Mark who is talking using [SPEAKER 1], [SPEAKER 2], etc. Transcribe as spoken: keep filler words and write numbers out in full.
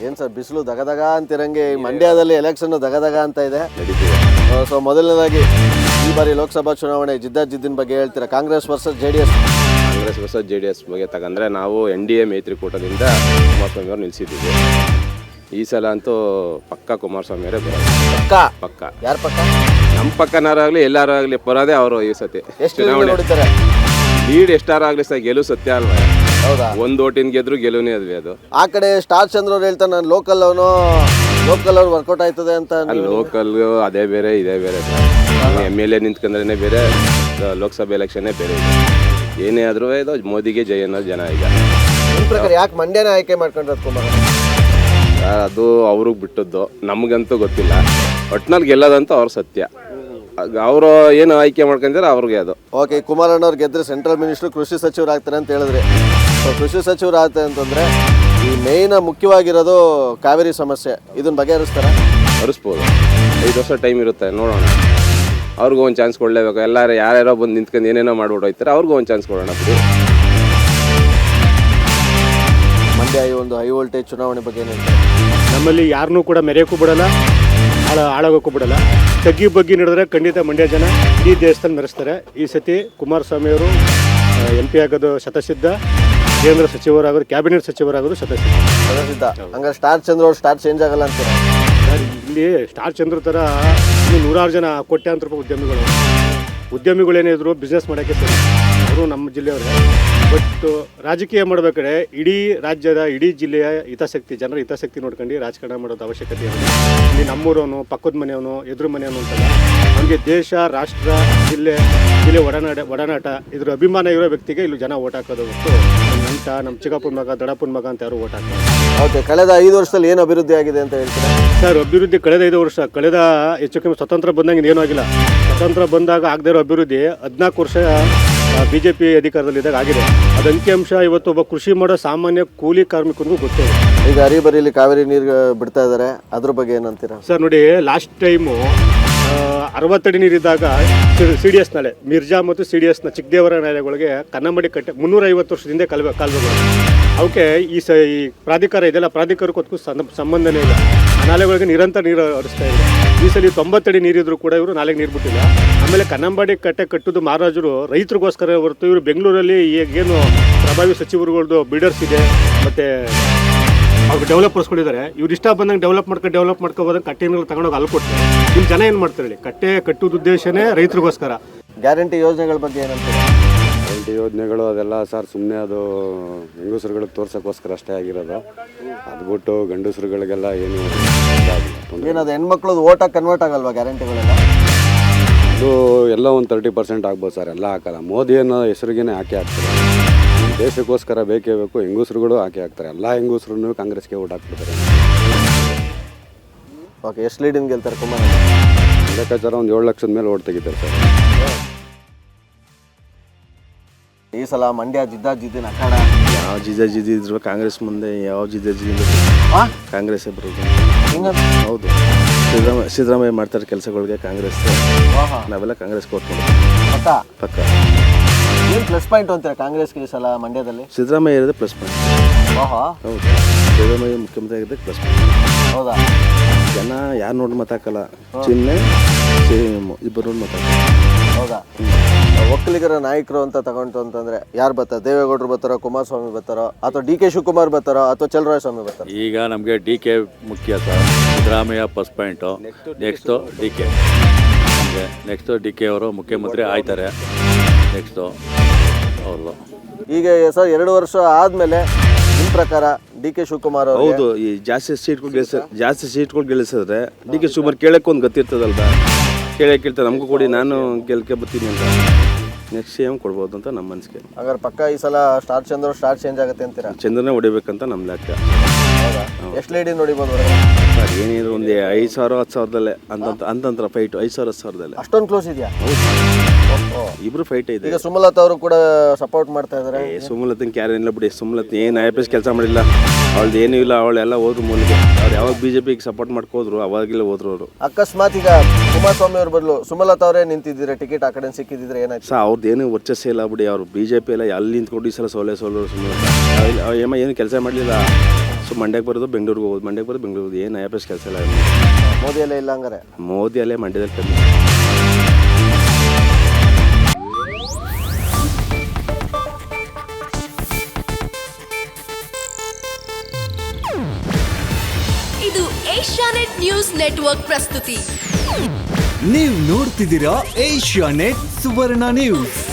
[SPEAKER 1] ಏನ್ ಸರ್ ಬಿಸಿಲು ದಗದಗ ಅಂತಿರಂಗೆ ಮಂಡ್ಯದಲ್ಲಿ ಎಲೆಕ್ಷನ್ ದಗದಗ ಅಂತ ಇದೆ. ಸೊ ಮೊದಲನೇದಾಗಿ ಈ ಬಾರಿ ಲೋಕಸಭಾ ಚುನಾವಣೆ ಜಿದ್ದಾಜಿದ್ದಿನ ಬಗ್ಗೆ ಹೇಳ್ತೀರಾ? Congress versus J D S.
[SPEAKER 2] Congress versus J D S ಬಗ್ಗೆ ತಗಂದ್ರೆ ನಾವು ಎನ್ ಡಿ ಎ ಮೈತ್ರಿಕೂಟದಿಂದ ಕುಮಾರಸ್ವಾಮಿ ಅವ್ರು ನಿಲ್ಲಿಸಿದ್ದೀವಿ. ಈ ಸಲ ಅಂತೂ ಪಕ್ಕ ಕುಮಾರಸ್ವಾಮಿ ಅವರೇ ಬರೋದು.
[SPEAKER 1] ಪಕ್ಕ
[SPEAKER 2] ಪಕ್ಕ
[SPEAKER 1] ಯಾರ ಪಕ್ಕ?
[SPEAKER 2] ನಮ್ಮ ಪಕ್ಕನಾರಾಗಲಿ ಎಲ್ಲಾರು ಆಗಲಿ ಬರೋದೇ ಅವರು ಈ ಸತಿ.
[SPEAKER 1] ಎಷ್ಟು ನೋಡ್ತಾರೆ?
[SPEAKER 2] ಲೀಡ್ ಎಷ್ಟಾರಾಗಲಿ ಸಹ ಗೆಲುವು ಸತ್ಯ ಅಲ್ವಾ?
[SPEAKER 1] ಹೌದಾ?
[SPEAKER 2] ಒಂದು ಓಟಿನ ಗೆದ್ರು ಗೆಲುವನೇ ಅದ್ವಿ ಅದು.
[SPEAKER 1] ಆ ಕಡೆ ಸ್ಟಾರ್ ಚಂದ್ರ ಅವ್ರು ಹೇಳ್ತಾರೆ ನಾನು ಲೋಕಲ್ ಅವನು, ಲೋಕಲ್ ಅವ್ರು ವರ್ಕೌಟ್ ಆಯ್ತದೆ ಅಂತ.
[SPEAKER 2] ಲೋಕಲ್ ಅದೇ ಬೇರೆ ಇದೇ ಬೇರೆ. ಎಮ್ ಎಲ್ ಎ ನಿಂತ್ಕೊಂಡ್ರೆ ಬೇರೆ, ಲೋಕಸಭೆ ಎಲೆಕ್ಷನ್ನೇ ಬೇರೆ ಇದೆ. ಏನೇ ಆದ್ರೂ ಇದು ಮೋದಿಗೆ ಜೈ ಅನ್ನೋ ಜನ ಈಗ.
[SPEAKER 1] ನಿಮ್ಮ ಪ್ರಕಾರ ಯಾಕೆ ಮಂಡ್ಯನ ಆಯ್ಕೆ ಮಾಡ್ಕೊಂಡ್ರೆ ಕುಮಾರ್?
[SPEAKER 2] ಅದು ಅವ್ರಿಗೆ ಬಿಟ್ಟದ್ದು, ನಮಗಂತೂ ಗೊತ್ತಿಲ್ಲ. ಒಟ್ನಲ್ಲಿ ಗೆಲ್ಲೋದಂತೂ ಅವ್ರ ಸತ್ಯ. ಅವರು ಏನು ಆಯ್ಕೆ ಮಾಡ್ಕೊಂಡ್ರೆ ಅವ್ರಿಗೆ ಅದು
[SPEAKER 1] ಓಕೆ. ಕುಮಾರಣ್ಣವ್ರು ಗೆದ್ರೆ ಸೆಂಟ್ರಲ್ ಮಿನಿಸ್ಟರ್ ಕೃಷಿ ಸಚಿವರು ಆಗ್ತಾರೆ ಅಂತ ಹೇಳಿದ್ರೆ, ಸೊ ಕೃಷಿ ಸಚಿವರು ಆಗ್ತಾರೆ ಅಂತಂದ್ರೆ ಈ ಮೇಯ್ನ ಮುಖ್ಯವಾಗಿರೋದು ಕಾವೇರಿ ಸಮಸ್ಯೆ, ಇದನ್ನ ಬಗೆಹರಿಸ್ತಾರೆ?
[SPEAKER 2] ಹರಿಸ್ಬೋದು. ಐದು ವರ್ಷ ಟೈಮ್ ಇರುತ್ತೆ, ನೋಡೋಣ. ಅವ್ರಿಗೂ ಒಂದು ಚಾನ್ಸ್ ಕೊಡಲೇಬೇಕು. ಎಲ್ಲರೂ ಯಾರ್ಯಾರೋ ಬಂದು ನಿಂತ್ಕೊಂಡು ಏನೇನೋ ಮಾಡ್ಬಿಟ್ಟು ಹೋಗ್ತಾರೆ, ಅವ್ರಿಗೂ ಒಂದು ಚಾನ್ಸ್ ಕೊಡೋಣ.
[SPEAKER 1] ಮಂಡ್ಯ ಈ ಒಂದು ಹೈ ವೋಲ್ಟೇಜ್ ಚುನಾವಣೆ ಬಗ್ಗೆ ಏನು?
[SPEAKER 3] ನಮ್ಮಲ್ಲಿ ಯಾರನ್ನೂ ಕೂಡ ಮೆರೆಯೋಕ್ಕೂ ಬಿಡಲ್ಲ, ಹಾಳ ಹಾಳಾಗೋಕ್ಕೂ ಬಿಡಲ್ಲ. ತಗ್ಗಿ ಬಗ್ಗಿ ನಡೆದ್ರೆ ಖಂಡಿತ ಮಂಡ್ಯ ಜನ ಇಡೀ ದೇಶದಲ್ಲಿ ಮೆರೆಸ್ತಾರೆ. ಈ ಸತಿ ಕುಮಾರಸ್ವಾಮಿಯವರು ಎಂ ಪಿ ಆಗೋದು ಶತಸಿದ್ಧ, ಕೇಂದ್ರ ಸಚಿವರಾಗೋದು, ಕ್ಯಾಬಿನೆಟ್ ಸಚಿವರಾಗೋದು ಶತಸಿದ್ಧ.
[SPEAKER 1] ಶತಸಿದ್ಧ. ಹಂಗಾರೆ ಸ್ಟಾರ್ ಚಂದ್ರ ಅವ್ರು ಸ್ಟಾರ್ ಚೇಂಜ್ ಆಗಲ್ಲ ಅಂತೀರಾ?
[SPEAKER 3] ಸರ್, ಇಲ್ಲಿ ಸ್ಟಾರ್ ಚಂದ್ರ ಥರ ಇನ್ನು ನೂರಾರು ಜನ ಕೋಟ್ಯಾಂತರ ರೂಪಾಯಿ ಉದ್ಯಮಿಗಳು ಉದ್ಯಮಿಗಳೇನೇ ಇದ್ರು ಬಿಸ್ನೆಸ್ ಮಾಡೋಕ್ಕೆ ಸರಿ, ಅವರು ನಮ್ಮ ಜಿಲ್ಲೆಯವರೇ. ಬಟ್ ರಾಜಕೀಯ ಮಾಡಬೇಕಾದ್ರೆ ಇಡೀ ರಾಜ್ಯದ ಇಡೀ ಜಿಲ್ಲೆಯ ಹಿತಾಸಕ್ತಿ, ಜನರ ಹಿತಾಸಕ್ತಿ ನೋಡ್ಕೊಂಡು ರಾಜಕಾರಣ ಮಾಡೋದು ಅವಶ್ಯಕತೆ ಇದೆ. ಇಲ್ಲಿ ನಮ್ಮೂರವನು, ಪಕ್ಕದ ಮನೆಯವನು, ಎದುರು ಮನೆಯವನು ಅಂತಲ್ಲ, ನಮಗೆ ದೇಶ, ರಾಷ್ಟ್ರ, ಜಿಲ್ಲೆ ಜಿಲ್ಲೆ ಒಡನಾಟ ಒಡನಾಟ ಇದ್ರ ಅಭಿಮಾನ ಇರೋ ವ್ಯಕ್ತಿಗೆ ಇಲ್ಲಿ ಜನ ಓಟ್ ಹಾಕೋದು ಹೊತ್ತು ನಮ್ಮ ನಂಟ, ನಮ್ಮ ಚಿಕ್ಕಪ್ಪನ ಮಗ, ದಡಪ್ಪನ ಮಗ ಅಂತ ಯಾರು ಓಟ್ ಹಾಕೋದು.
[SPEAKER 1] ಓಕೆ. ಕಳೆದ ಐದು ವರ್ಷದಲ್ಲಿ ಏನು ಅಭಿವೃದ್ಧಿ ಆಗಿದೆ ಅಂತ ಹೇಳ್ತೀರಾ?
[SPEAKER 3] ಸರ್, ಅಭಿವೃದ್ಧಿ ಕಳೆದ ಐದು ವರ್ಷ, ಕಳೆದ ಹೆಚ್ಚು ಕಮ್ಮಿ ಸ್ವತಂತ್ರ ಬಂದಂಗೆ ಏನೂ ಆಗಿಲ್ಲ. ಸ್ವತಂತ್ರ ಬಂದಾಗ ಆಗದೇ ಇರೋ ಅಭಿವೃದ್ಧಿ ಹದಿನಾಲ್ಕು ವರ್ಷ ಬಿ ಜೆ ಪಿ ಅಧಿಕಾರದಲ್ಲಿದ್ದಾಗ ಆಗಿದೆ. ಅದು ಅಂಕಿಅಂಶ ಇವತ್ತು ಒಬ್ಬ ಕೃಷಿ ಮಾಡೋ ಸಾಮಾನ್ಯ ಕೂಲಿ ಕಾರ್ಮಿಕನಿಗೂ ಗೊತ್ತಿದೆ.
[SPEAKER 1] ಈಗ ಹರಿಬರಿಲಿ ಕಾವೇರಿ ನೀರು ಬಿಡ್ತಾ ಇದ್ದಾರೆ, ಅದ್ರ ಬಗ್ಗೆ ಏನಂತೀರಾ?
[SPEAKER 3] ಸರ್ ನೋಡಿ, ಲಾಸ್ಟ್ ಟೈಮು ಅರವತ್ತಡಿ ನೀರಿದ್ದಾಗ ಸಿ ಡಿ ಎಸ್ ನಾಲೆ ಮಿರ್ಜಾ ಮತ್ತು ಸಿ ಡಿ ಎಸ್ನ ಚಿಕ್ಕದೇವರ ನಾಲೆಗಳಿಗೆ ಕನ್ನಂಬಡಿ ಕಟ್ಟೆ ಮುನ್ನೂರ ಐವತ್ತು ವರ್ಷದಿಂದ ಕಲ್ವೆ ಕಾಲುವೆಗಳು ಅವಕ್ಕೆ ಈ ಸ ಈ ಪ್ರಾಧಿಕಾರ ಇದೆಲ್ಲ ಪ್ರಾಧಿಕಾರಕ್ಕೂ ಸಂಬಂಧನೇ ಇಲ್ಲ. ಆ ನಾಲೆಗಳಿಗೆ ನಿರಂತರ ನೀರು ಹರಿಸ್ತಾ ಇದೆ. ಈ ಸಲ ತೊಂಬತ್ತಡಿ ನೀರಿದ್ರು ಕೂಡ ಇವರು ನಾಲೆಗೆ ನೀರು ಬಿಟ್ಟಿಲ್ಲ. ಆಮೇಲೆ ಕನ್ನಂಬಾಡಿ ಕಟ್ಟೆ ಕಟ್ಟೋದು ಮಹಾರಾಜರು ರೈತರಿಗೋಸ್ಕರ ಹೊರತು ಇವರು ಬೆಂಗಳೂರಲ್ಲಿ ಈಗೇನು ಪ್ರಭಾವಿ ಸಚಿವರುಗಳದ್ದು ಬಿಲ್ಡರ್ಸ್ ಇದೆ ಮತ್ತು ಅವ್ರಿಗೆ ಡೆವಲಪರ್ಸ್ಗಳಿದ್ದಾರೆ. ಇವ್ರು ಇಷ್ಟ ಬಂದಂಗೆ ಡೆವಲಪ್ ಮಾಡ್ಕೊಂಡು ಡೆವಲಪ್ ಮಾಡ್ಕೋಬೋದಂಗೆ ಕಟ್ಟೆಗಳು ತಗೊಂಡೋಗಿ ಅಲ್ಲಿ ಕೊಡ್ತಾರೆ. ಇಲ್ಲಿ ಜನ ಏನು ಮಾಡ್ತಾರೆ ಹೇಳಿ? ಕಟ್ಟೆ ಕಟ್ಟೋದು ಉದ್ದೇಶನೇ ರೈತರಿಗೋಸ್ಕರ.
[SPEAKER 1] ಗ್ಯಾರಂಟಿ ಯೋಜನೆಗಳ ಬಗ್ಗೆ ಏನಂತೀರಾ?
[SPEAKER 4] ಗ್ಯಾರಂಟಿ ಯೋಜನೆಗಳು ಅದೆಲ್ಲ ಸರ್ ಸುಮ್ಮನೆ ಅದು ಹೆಂಗಸರುಗಳಿಗೆ ತೋರ್ಸೋಕ್ಕೋಸ್ಕರ ಅಷ್ಟೇ ಆಗಿರೋದು. ಅದು ಬಿಟ್ಟು ಗಂಡಸರುಗಳಿಗೆಲ್ಲ ಏನು
[SPEAKER 1] ಏನದು ಹೆಣ್ಮಕ್ಳದ್ದು ಓಟಾಗಿ ಕನ್ವರ್ಟ್ ಆಗಲ್ವಾ ಗ್ಯಾರಂಟಿಗಳೆಲ್ಲ?
[SPEAKER 4] ಅದು ಎಲ್ಲ ಒಂದು ತರ್ಟಿ ಪರ್ಸೆಂಟ್ ಆಗ್ಬೋದು ಸರ್, ಎಲ್ಲ ಹಾಕಲ್ಲ. ಮೋದಿ ಅನ್ನೋ ಹೆಸರಿಗೇನೆ ಹಾಕಿ ಹಾಕ್ತಾರೆ. ದೇಶಕ್ಕೋಸ್ಕರ ಬೇಕೇ ಬೇಕು, ಹೆಂಗಸರುಗಳು ಹಾಕಿ ಹಾಕ್ತಾರೆ. ಎಲ್ಲ ಹೆಂಗಸರು ಕಾಂಗ್ರೆಸ್ಗೆ ಓಟ್ ಹಾಕ್ಬಿಡ್ತಾರೆ.
[SPEAKER 1] ಓಕೆ. ಎಷ್ಟು ಲೀಡಿಂಗ್ ಗೆಲ್ತಾರೆ ಕುಮಾರ್?
[SPEAKER 4] ಲೆಕ್ಕಾಚಾರ ಒಂದು ಏಳು ಲಕ್ಷದ ಮೇಲೆ ಓಟ್ ತೆಗಿತಾರೆ ಸರ್.
[SPEAKER 1] ಈ ಸಲ ಮಂಡ್ಯ ಜಿದ್ದಾಜಿದ್ದಿನ ಅಖಾಡ.
[SPEAKER 5] ಯಾವ ಜಿದ್ದಾಜಿದ್ದಿ ಇದ್ರು ಕಾಂಗ್ರೆಸ್ ಮುಂದೆ ಯಾವ ಜಿದ್ದಾಜಿದ್ದಿ ಕಾಂಗ್ರೆಸ್ಸೇ ಬರೋದು. ಹೌದು, ಸಿದ್ದರಾಮಯ್ಯ ಸಿದ್ದರಾಮಯ್ಯ ಮಾಡ್ತಾರೆ ಕೆಲಸಗಳಿಗೆ ಕಾಂಗ್ರೆಸ್. ನಾವೆಲ್ಲ ಕಾಂಗ್ರೆಸ್ ಕೊಟ್
[SPEAKER 1] ಪಕ್ಕ
[SPEAKER 5] ಪಕ್ಕ.
[SPEAKER 1] ಏನು ಪ್ಲಸ್ ಪಾಯಿಂಟ್ ಅಂತೀರಾ ಕಾಂಗ್ರೆಸ್ಗೆ ಈ ಸಲ ಮಂಡ್ಯದಲ್ಲಿ?
[SPEAKER 5] ಸಿದ್ದರಾಮಯ್ಯ ಇರೋದೇ ಪ್ಲಸ್ ಪಾಯಿಂಟ್.
[SPEAKER 1] ಹೌದು,
[SPEAKER 5] ಸಿದ್ದರಾಮಯ್ಯ ಮುಖ್ಯಮಂತ್ರಿ ಆಗಿದ್ದೆ ಪ್ಲಸ್ ಪಾಯಿಂಟ್.
[SPEAKER 1] ಹೌದಾ?
[SPEAKER 5] ಜನ ಯಾರು ನೋಡಿ ಮಾತಾಕಲ್ಲ, ಚಿಹ್ನೆ ಇಬ್ಬರು ನೋಡಿ ಮಾತಾಡ್ತಾರೆ.
[SPEAKER 1] ಹೌದಾ? ಒಕ್ಕಲಿಗರ ನಾಯಕರು ಅಂತ ತಗೊಂಡು ಅಂತಂದ್ರೆ ಯಾರು ಬರ್ತಾರೆ? ದೇವೇಗೌಡರು ಬರ್ತಾರೋ, ಕುಮಾರಸ್ವಾಮಿ ಬರ್ತಾರೋ, ಅಥವಾ ಡಿ ಕೆ ಶಿವಕುಮಾರ್ ಬರ್ತಾರೋ, ಅಥವಾ ಚಲರಾಯಸ್ವಾಮಿ ಬರ್ತಾರೋ?
[SPEAKER 6] ಈಗ ನಮಗೆ ಡಿ ಕೆ ಮುಖ್ಯ sir. Siddaramaiah first point, next D K ನಮಗೆ ನೆಕ್ಸ್ಟು ಡಿ ಕೆ ಅವರು ಮುಖ್ಯಮಂತ್ರಿ ಆಯ್ತಾರೆ. ನೆಕ್ಸ್ಟು ಅವ್ರದ್ದು
[SPEAKER 1] ಈಗ ಸರ್ ಎರಡು ವರ್ಷ ಆದಮೇಲೆ ನಿಮ್ಮ ಪ್ರಕಾರ ಡಿ ಕೆ ಶಿವಕುಮಾರ್ ಅವರು
[SPEAKER 5] ಹೌದು, ಈ ಜಾಸ್ತಿ ಸೀಟ್ಗಳು ಗೆಲ್ಸ ಜಾಸ್ತಿ ಸೀಟ್ಗಳು ಗೆಲ್ಲಿಸಿದ್ರೆ ಡಿ ಕೆ ಶಿವಕುಮಾರ್ ಕೇಳಕ್ಕೆ ಒಂದು ಗೊತ್ತಿರ್ತದಲ್ವ, ಕೇಳಕ್ಕೆ ಕೇಳ್ತಾರೆ ನಮಗೂ ಕೊಡಿ, ನಾನು ಗೆಲ್ಕೆ ಬರ್ತೀನಿ ಅಂತ. ನೆಕ್ಸ್ಟ್ ಸಿ ಎಂ ಕೊಡ್ಬೋದು ಅಂತ ನಮ್ಮ ಮನಸ್ಸಿಗೆ.
[SPEAKER 1] ಹಾಗಾದ್ರೆ ಪಕ್ಕ ಈ ಸಲ ಸ್ಟಾರ್ ಚಂದ್ರ ಸ್ಟಾರ್ ಚೇಂಜ್ ಆಗುತ್ತೆ ಅಂತೀರಾ?
[SPEAKER 5] ಚಂದ್ರನೇ ಹೊಡಿಬೇಕಂತ ನಮ್ಮ ಲೆಕ್ಕ.
[SPEAKER 1] ಎಷ್ಟು ಲೀಡಿ ನೋಡಿಬೋದು
[SPEAKER 5] ಸರ್? ಏನಿದ್ರು ಒಂದು ಐದು ಸಾವಿರ ಹತ್ತು ಸಾವಿರದಲ್ಲೇ ಅಂತಂತ ಅಂತಂತರ ಫೈಟು ಐದು ಸಾವಿರ ಹತ್ತು ಸಾವಿರದಲ್ಲೇ.
[SPEAKER 1] ಅಷ್ಟೊಂದು ಕ್ಲೋಸ್ ಇದೆಯಾ?
[SPEAKER 5] ಇಬ್ರು ಫೈಟ್ ಇದೆ.
[SPEAKER 1] ಈಗ ಸುಮಲತಾ ಅವರು ಕೂಡ ಸಪೋರ್ಟ್ ಮಾಡ್ತಾ ಇದ್ದಾರೆ.
[SPEAKER 5] ಸುಮಲತನ್ ಕ್ಯಾರ ಇಲ್ಲ ಬಿಡಿ. ಸುಮಲತ್ ಏನು ಐ ಪಿ ಎಸ್ ಕೆಲಸ ಮಾಡಿಲ್ಲ, ಅವಳ್ದು ಏನೂ ಇಲ್ಲ, ಅವಳೆಲ್ಲ ಹೋದ್ರು ಮೂಲಕ. ಅವ್ರು ಯಾವಾಗ ಬಿ ಜೆ ಪಿಗೆ ಸಪೋರ್ಟ್ ಮಾಡ್ಕೋದ್ರು ಅವಾಗೆಲ್ಲ ಹೋದ್ರು ಅವರು.
[SPEAKER 1] ಅಕಸ್ಮಾತ್ ಈಗ ಕುಮಾರಸ್ವಾಮಿ ಅವ್ರ ಬದಲು ಸುಮಲತಾ ಅವರೇ ನಿಂತಿದ್ದೀರಾ, ಟಿಕೆಟ್ ಆ ಕಡೆ ಸಿಕ್ಕಿದ್ರೆ ಏನಾಯ್ತು?
[SPEAKER 5] ಸರ್ ಅವ್ರದ್ದು ಏನು ವರ್ಚಸ್ಸೇ ಇಲ್ಲ ಬಿಡಿ. ಅವರು ಬಿ ಜೆ ಪಿ ಎಲ್ಲ ಅಲ್ಲಿ ನಿಂತ್ಕೊಂಡು ಈ ಸಲ ಸೋಲೆ ಸೋಲರು ಸುಮಲತಾ. ಏಮ ಏನು ಕೆಲಸ ಮಾಡಲಿಲ್ಲ. ಸೊ ಮಂಡ್ಯಕ್ಕೆ ಬರೋದು ಬೆಂಗಳೂರಿಗೆ ಹೋಗೋದು, ಮಂಡ್ಯಕ್ಕೆ ಬರೋದು ಬೆಂಗಳೂರಿಗೆ, ಏನು ಐ ಎಫ್ ಎಸ್ ಕೆಲಸ ಇಲ್ಲ.
[SPEAKER 1] ಮೋದಿ ಎಲ್ಲ ಇಲ್ಲ ಹಂಗಾರೆ?
[SPEAKER 5] ಮೋದಿ ಅಲ್ಲೇ ಮಂಡ್ಯದಲ್ಲಿ ಕಮ್ಮಿ.
[SPEAKER 7] ಇದು ಏಷ್ಯಾನೆಟ್ ನ್ಯೂಸ್ ನೆಟ್ವರ್ಕ್ ಪ್ರಸ್ತುತಿ.
[SPEAKER 8] ನೀವು ನೋಡ್ತಿದ್ದೀರಾ ಏಷ್ಯಾನೆಟ್ ಸುವರ್ಣ ನ್ಯೂಸ್.